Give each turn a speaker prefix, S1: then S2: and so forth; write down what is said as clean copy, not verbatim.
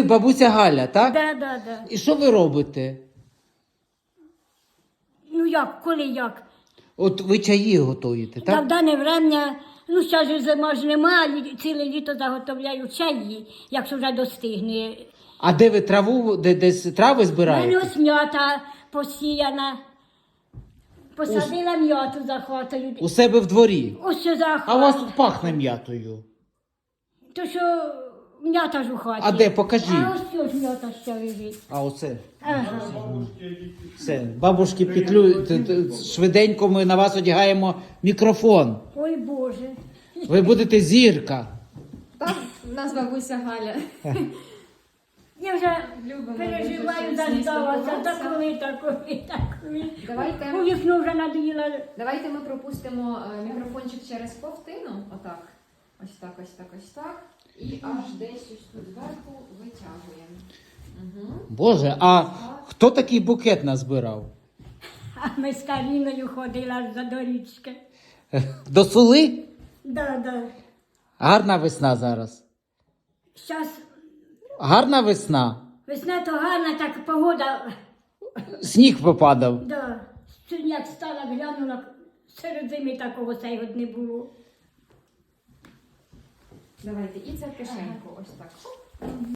S1: Ви бабуся Галя, так?
S2: Да.
S1: І що ви робите?
S2: Ну як, коли як?
S1: От ви чаї готуєте,
S2: Та в
S1: так?
S2: дане врем'я, ну зараз же зима ж нема, ціле літо заготовляю чаї, якщо вже достигне.
S1: А де ви траву, десь трави
S2: У мене
S1: збираєте?
S2: ось м'ята посіяна. Посадила м'яту за хатою.
S1: У себе в дворі.
S2: Ось що за
S1: А у вас
S2: хатою.
S1: тут пахне м'ятою.
S2: То що м'ята ж у хаті.
S1: А де? Покажіть.
S2: А ось що ж м'ята ще лежить.
S1: А оце.
S2: Ага.
S1: Все. Бабушки петлю, швиденько ми на вас одягаємо мікрофон.
S2: Ой Боже.
S1: Ви будете зірка.
S3: Так, у нас бабуся Галя.
S2: Я вже
S3: Любимо
S2: переживаю,
S3: дуже, щоб
S2: заждалася.
S3: спілкуватися.
S2: Такої.
S3: Давайте.
S2: У вікно вже надоїла.
S3: Давайте ми пропустимо мікрофончик через ковтину. Отак. Ось так, ось так, ось так. І аж десь ось тут зверху витягуємо. Угу.
S1: Боже, а хто такий букет назбирав?
S2: А ми з Каріною ходили аж за до річки.
S1: До Сули?
S2: Да.
S1: Гарна весна зараз.
S2: Зараз
S1: Гарна весна.
S2: весна то гарна, так погода.
S1: Сніг попадав.
S2: Да. Сьогодні як стала, глянула, серед зими такого цього не було.
S3: Давайте і це в кишеньку. Ось так. Хоп.